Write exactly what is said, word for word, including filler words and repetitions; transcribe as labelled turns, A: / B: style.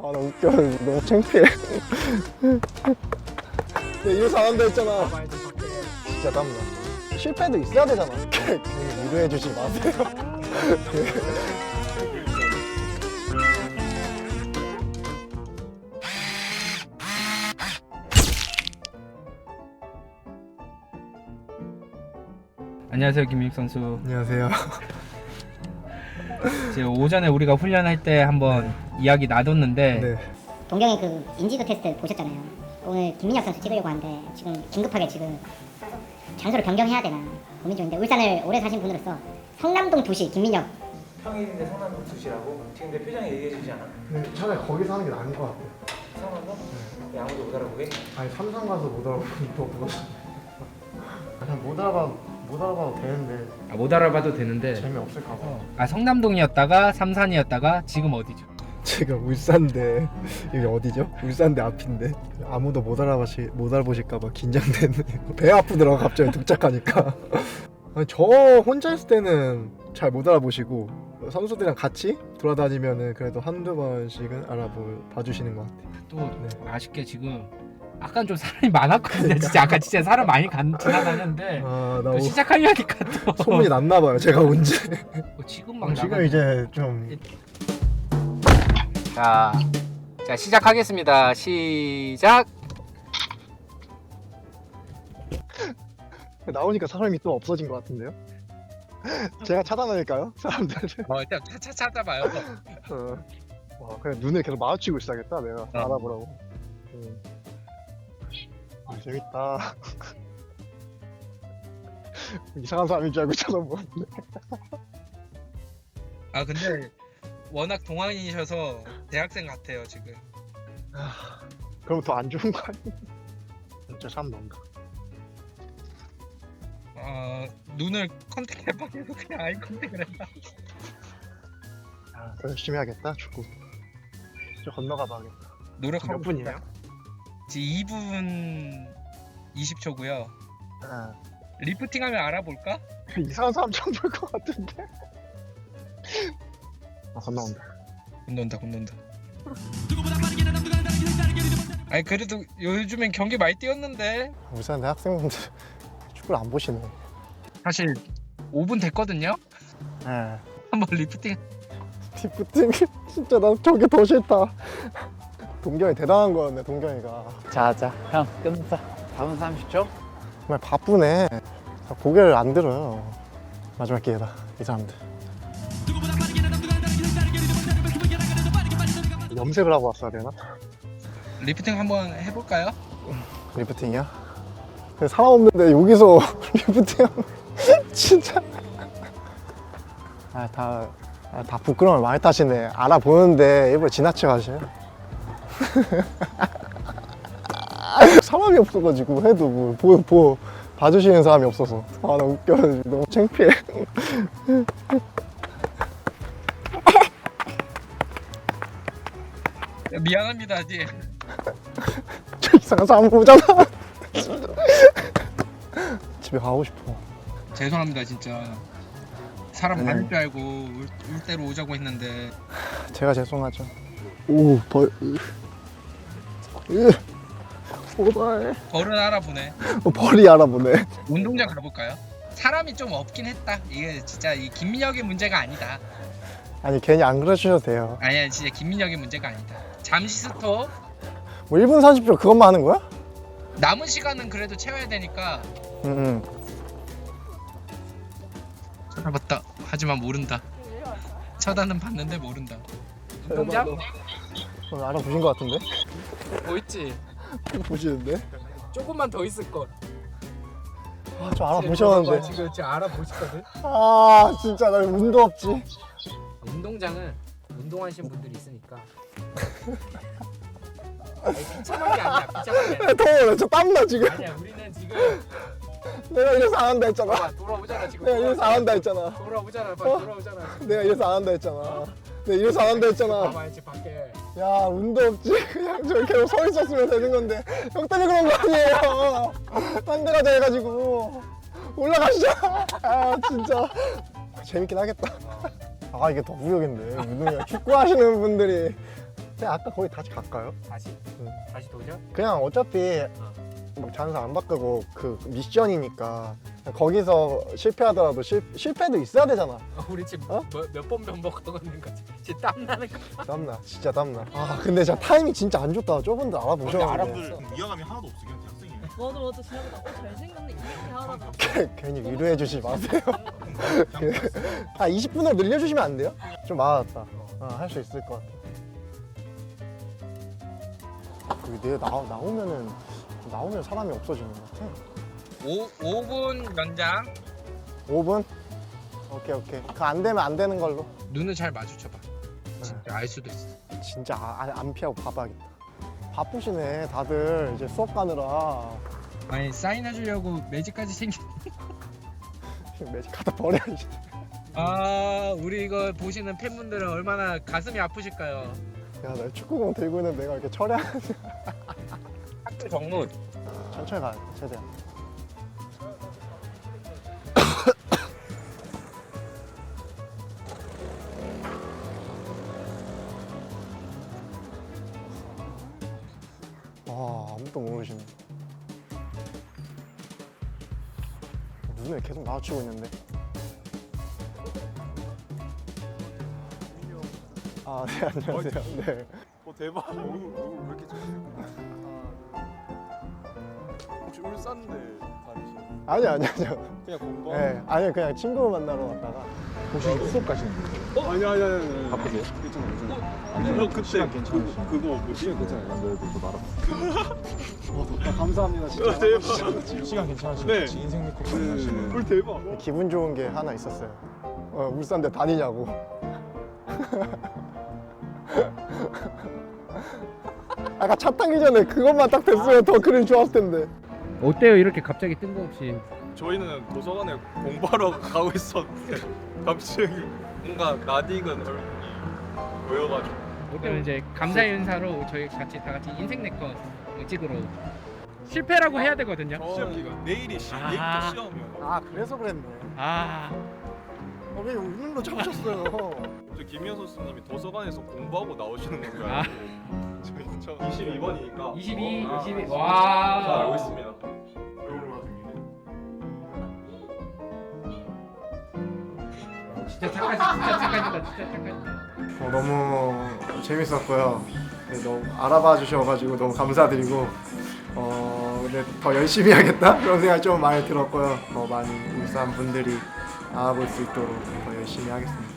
A: 아 나 웃겨. 너무 창피해. 내 이래서 안 한다 했잖아. 진짜 땀나. 실패도 있어야 되잖아. 괜히 위로해 주지 마세요.
B: 안녕하세요, 김민욱 선수.
A: 안녕하세요.
B: 이제 오전에 우리가 훈련할 때 한번 이야기 나눴는데
A: 네.
C: 동경이 그 인지도 테스트 보셨잖아요. 오늘 김민혁 선수 찍으려고 하는데 지금 긴급하게 지금 장소를 변경해야 되나 고민 중인데 울산을 오래 사신 분으로서 성남동 도시 김민혁
D: 평일인데 성남동 두시라고? 지금 내 표정이 얘기해주지 않아?
A: 근데 차라리 거기서 하는 게 나은 것 같아요.
D: 성남동? 네. 아무도 못 알아보게?
A: 아니 삼성 가서 못 알아보면 또 그거. 그냥 못 알아봐 못 알아봐도 되는데
B: 아, 못 알아봐도 되는데
A: 재미없을까 봐.
B: 아, 성남동이었다가 삼산이었다가 지금 어디죠?
A: 제가 울산대 여기 어디죠? 울산대 앞인데 아무도 못 알아보시 못 알아보실까봐 긴장되네요. 배 아프더라고 갑자기 독작하니까. 아니, 저 혼자 있을 때는 잘 못 알아보시고 선수들이랑 같이 돌아다니면은 그래도 한두 번씩은 알아보 봐주시는 것 같아요.
B: 또
A: 네.
B: 아쉽게 지금 아까 좀 사람이 많았거든요. 진짜 아까 진짜 사람 많이 간, 지나다녔는데
A: 아나
B: 또 시작하려니까 또
A: 소문이 났나 봐요. 제가 언제?
B: 어, 지금 막
A: 지금
B: 나가...
A: 이제 좀
B: 자, 자 시작하겠습니다. 시작.
A: 나오니까 사람이 또 없어진 것 같은데요? 제가 차단할까요? 사람들.
B: 어, 일단 차차 찾아봐요.
A: 어. 와, 그냥 눈을 계속 마주치고 있어야겠다. 내가
B: 어.
A: 알아보라고. 음. 아, 재밌다. 이상한 사람인 줄 알고 쳐다보는데.
B: 아 근데 워낙 동안이셔서 대학생 같아요 지금.
A: 그럼 더 안 좋은 거 아니야? 진짜 사람 너무다.
B: 어 눈을 컨택해봐. 그냥 아이 컨택을 해봐.
A: 아, 더 열심히 해야겠다. 축구. 저 건너가 봐야겠다.
B: 노력하고
A: 몇 분이에요?
B: 있어요. 지금 이 분 이십 초고요.
A: 아,
B: 리프팅하면 알아볼까?
A: 이상한 사람 처음 볼 것 같은데. 아, 건너온다.
B: 건넌다 건넌다. 아니 그래도 요즘엔 경기 많이 뛰었는데
A: 울산 대학생분들 축구를 안 보시네.
B: 사실 오 분 됐거든요.
A: 예.
B: 한번 리프팅.
A: 디프팅 진짜 나 저게 더 싫다. 동경이 대단한 거였네. 동경이가
E: 자자 형 끝났어. 다음 삼십 초.
A: 정말 바쁘네. 고개를 안 들어요. 마지막 기회다 이 사람들. 염색을 하고 왔어야 되나?
B: 리프팅 한번 해볼까요?
A: 리프팅이야? 근데 사람 없는데 여기서 리프팅하면 진짜 아, 다, 아, 다 부끄러움을 많이 타시네. 알아보는데 일부러 지나쳐 가셔요. 사람이 없어가지고 해도 뭐 보, 보, 봐주시는 사람이 없어서 아 나 웃겨. 너무 창피해.
B: 미안합니다 아직.
A: 저 이상한 사람 보잖아. 집에 가고 싶어.
B: 죄송합니다 진짜. 사람
A: 아니,
B: 많을 줄 알고 울, 울 대로 오자고 했는데.
A: 제가 죄송하죠. 오, 벌. 으. 오발.
B: 벌은 알아보네.
A: 어, 벌이 알아보네.
B: 운동장 가볼까요? 사람이 좀 없긴 했다. 이게 진짜 이 김민혁의 문제가 아니다.
A: 아니 괜히 안 그러셔도 돼요.
B: 아니야 진짜 김민혁의 문제가 아니다. 잠시 스톱.
A: 뭐 일 분 사십 초 그것만 하는 거야?
B: 남은 시간은 그래도 채워야 되니까.
A: 응응.
B: 쳐다봤다. 하지만 모른다. 쳐다는 봤는데 모른다. 운동장?
A: 어, 알아보신 것 같은데?
B: 뭐 있지?
A: 보시는데?
B: 조금만 더 있을 걸.
A: 아, 저 알아보셨는데.
B: 지금 지금 알아보시거든.
A: 아 진짜 나 운도 없지.
B: 운동장은 운동하시는 분들이 있으니까. 아니, 비참한 게 아니야. 비참한 게 아니야.
A: 더워. 저 땀나 지금.
B: 아니야. 우리는 지금
A: 내가 이래서 안 한다 했잖아.
B: 봐, 돌아오잖아 지금.
A: 내가 이래서 안 한다 했잖아.
B: 돌아오잖아. 봐,
A: 어?
B: 돌아오잖아.
A: 내가 이래서 안 한다 했잖아. 내가 이래서 안 한다 했잖아.
B: 봐봐야지 밖에.
A: 야 운도 없지. 그냥 저 계속 서 있었으면 되는 건데 형 때문에 그런 거 아니에요. 딴 데 가자 해가지고 올라가시죠. 아 진짜 재밌긴 하겠다. 아 이게 더 무력인데 운동이야. 축구 하시는 분들이 그냥 아까 거기 다시 갈까요?
B: 다시
A: 응.
B: 다시 도전?
A: 그냥 어차피 막 장사 안 바꾸고 그 미션이니까 거기서 실패하더라도 실, 실패도 있어야 되잖아.
B: 어, 우리 지금
A: 어?
B: 몇 번 반복하고 있는 거지? 지금 땀 나는 거.
A: 땀나 진짜 땀나. 아 근데 진짜 타이밍 진짜 안 좋다. 저분들 알아보셨는데
F: 알아들 위화감이 하나도 없어 그냥 대학생이에요.
G: 맞아 맞아 지나가다 어 잘생겼네 이렇게 하다가
A: 괜히 위로해 주지 마세요. 아 이십 분으로 늘려주시면 안 돼요? 좀 많았다. 아, 할 수 있을 것 같아. 여기 내일 나, 나오면은 나오면 사람이 없어지는 것 같아.
B: 오 오 분 연장.
A: 오 분? 오케이 오케이. 그 안 되면 안 되는 걸로.
B: 눈을 잘 마주쳐봐. 진짜 알 수도 있어.
A: 진짜 아, 안 피하고 봐봐야겠다. 바쁘시네 다들 이제 수업 가느라.
B: 아니 사인해주려고 매직까지 생긴.
A: 매직 갖다 버려야지.
B: 아 우리 이거 보시는 팬분들은 얼마나 가슴이 아프실까요?
A: 야, 나 축구공 들고 있는 내가 이렇게 철회하는.
B: 학교 정문.
A: 천천히 가야 돼, 최대한. 와, 아무도 모르시네. 눈에 계속 마주치고 있는데. 아, 네, 안녕하세요. 네.
F: 어 대박. 얼굴 얼굴 왜 이렇게 좋으세요? 혹시 울산대 다니시는?
A: 아니요, 아니요, 아니요.
F: 그냥 공부?
A: 네, 아니요, 그냥 친구 만나러 갔다가.
F: 혹시 수업 가시는 거예요? 아니 아니 아니. 바쁘세요? 괜찮아요. 괜찮아요. 아니 어, 그때 시간 괜찮으시죠? 그, 그거 뭐지? 시간 괜찮아요. 네, 저도 알아봤어요. 감사합니다. 진짜. 대박. 시간 괜찮으시죠?
E: 네.
F: 같이 인생 네컷 하시는. 헐 대박.
A: 기분 좋은 게 하나 있었어요. 어, 울산대 다니냐고. 아까 차 타기 전에 그것만 딱 됐으면 더 그림 좋았을 텐데.
B: 어때요 이렇게 갑자기 뜬금없이?
F: 저희는 도서관에 공부하러 가고 있었는데 갑자기 뭔가 낯익은 얼굴이 보여가지고.
B: 그럼 이제 감사 인사로 저희 같이 다 같이 인생 네컷 찍으러 실패라고 해야 되거든요.
F: 시험 기간 내일이 시,
B: 아.
F: 내일부터 시험이요.
A: 아 그래서 그랬네.
B: 아
A: 어, 왜 웃는 거 참으셨어요?
F: 저 김현 선수님이 도서관에서 공부하고 나오시는 건가요?
B: 아.
F: 저희 저 이십이 번이니까
B: 이십이,
F: 아,
B: 이십이.
F: 잘
B: 와.
F: 알고 있습니다.
B: 진짜 착하시, 진짜 착하시다, 진짜 착하시다.
A: 어, 너무 재밌었고요. 네, 너무 알아봐 주셔가지고 너무 감사드리고 어, 근데 더 열심히 하겠다 그런 생각 좀 많이 들었고요. 더 많이 울산 분들이 알아볼 수 있도록 더 열심히 하겠습니다.